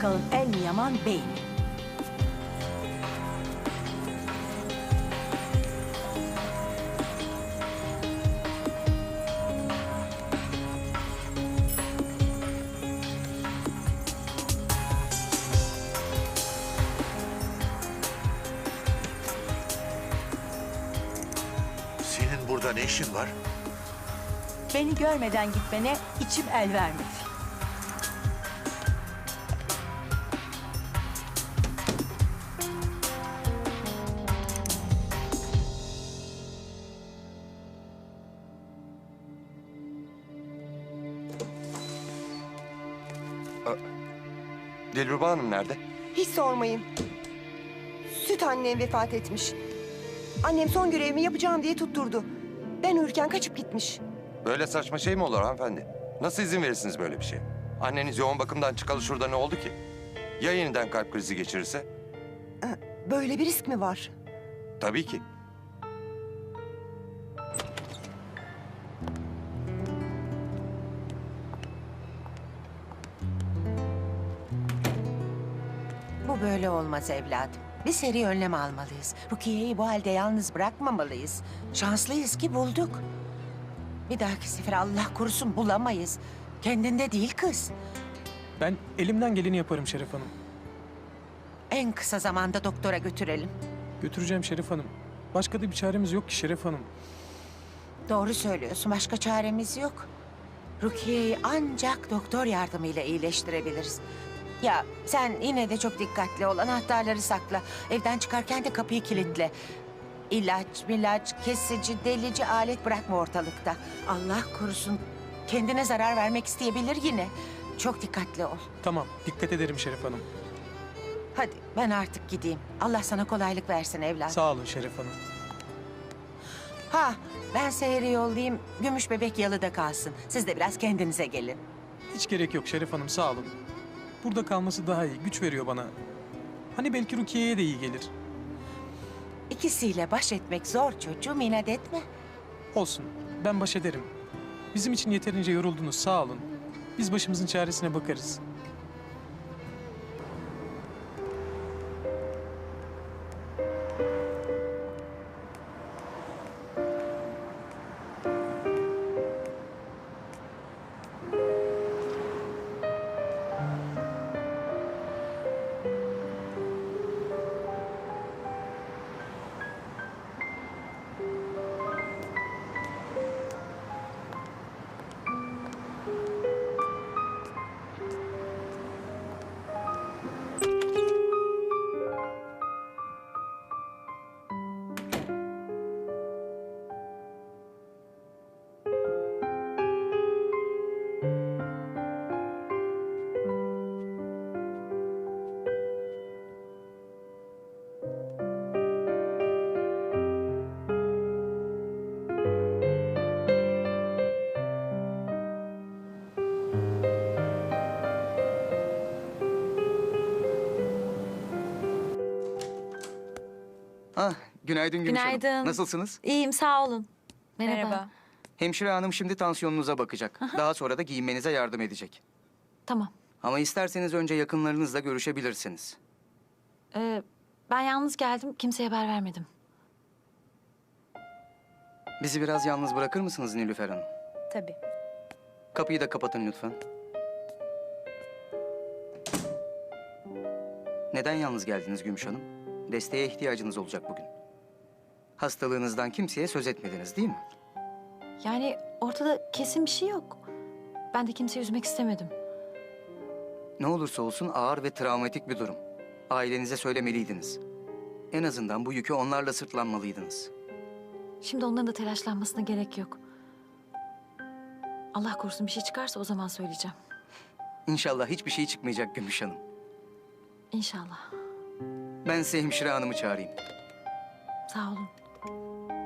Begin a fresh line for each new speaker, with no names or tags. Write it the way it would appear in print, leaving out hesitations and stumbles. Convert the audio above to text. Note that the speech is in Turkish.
bakalım el mi yaman bey mi?
Senin burada ne işin var?
Beni görmeden gitmene içim el vermedi.
Dilruba Hanım nerede?
Hiç sormayın. Süt annem vefat etmiş. Annem son görevimi yapacağım diye tutturdu. Ben uyurken kaçıp gitmiş.
Böyle saçma şey mi olur hanımefendi? Nasıl izin verirsiniz böyle bir şeye? Anneniz yoğun bakımdan çıkalı şurada ne oldu ki? Ya yeniden kalp krizi geçirirse?
Böyle bir risk mi var?
Tabii ki.
Bu böyle olmaz evladım. Bir seri önlem almalıyız. Rukiye'yi bu halde yalnız bırakmamalıyız. Şanslıyız ki bulduk. Bir dahaki sefer Allah korusun bulamayız. Kendinde değil kız.
Ben elimden geleni yaparım Şeref Hanım.
En kısa zamanda doktora götürelim.
Götüreceğim Şeref Hanım. Başka da bir çaremiz yok ki Şeref Hanım.
Doğru söylüyorsun. Başka çaremiz yok. Rukiye'yi ancak doktor yardımıyla iyileştirebiliriz. Ya sen yine de çok dikkatli ol. Anahtarları sakla. Evden çıkarken de kapıyı kilitle. İlaç, kesici, delici alet bırakma ortalıkta. Allah korusun. Kendine zarar vermek isteyebilir yine. Çok dikkatli ol.
Tamam, dikkat ederim Şeref Hanım.
Hadi ben artık gideyim. Allah sana kolaylık versin evladım.
Sağ olun Şeref Hanım.
Ha, ben Seher'i yollayayım. Gümüş bebek yalıda kalsın. Siz de biraz kendinize gelin.
Hiç gerek yok Şeref Hanım, sağ olun. Burada kalması daha iyi, güç veriyor bana. Hani belki Rukiye'ye de iyi gelir.
İkisiyle baş etmek zor çocuğum, inat etme.
Olsun, ben baş ederim. Bizim için yeterince yoruldunuz, sağ olun. Biz başımızın çaresine bakarız.
Ah, günaydın Gümüş Hanım.
Günaydın.
Nasılsınız?
İyiyim, sağ olun. Merhaba.
Hemşire hanım şimdi tansiyonunuza bakacak. Daha sonra da giyinmenize yardım edecek.
Tamam.
Ama isterseniz önce yakınlarınızla görüşebilirsiniz.
Ben yalnız geldim, kimseye haber vermedim.
Bizi biraz yalnız bırakır mısınız Nilüfer Hanım?
Tabii.
Kapıyı da kapatın lütfen. Neden yalnız geldiniz Gümüş Hanım? Desteğe ihtiyacınız olacak bugün. Hastalığınızdan kimseye söz etmediniz değil mi?
Yani ortada kesin bir şey yok. Ben de kimseyi üzmek istemedim.
Ne olursa olsun ağır ve travmatik bir durum. Ailenize söylemeliydiniz. En azından bu yükü onlarla sırtlanmalıydınız.
Şimdi onların da telaşlanmasına gerek yok. Allah korusun bir şey çıkarsa o zaman söyleyeceğim.
İnşallah hiçbir şey çıkmayacak Gümüş Hanım.
İnşallah.
Ben size hemşire hanımı çağırayım.
Sağ olun.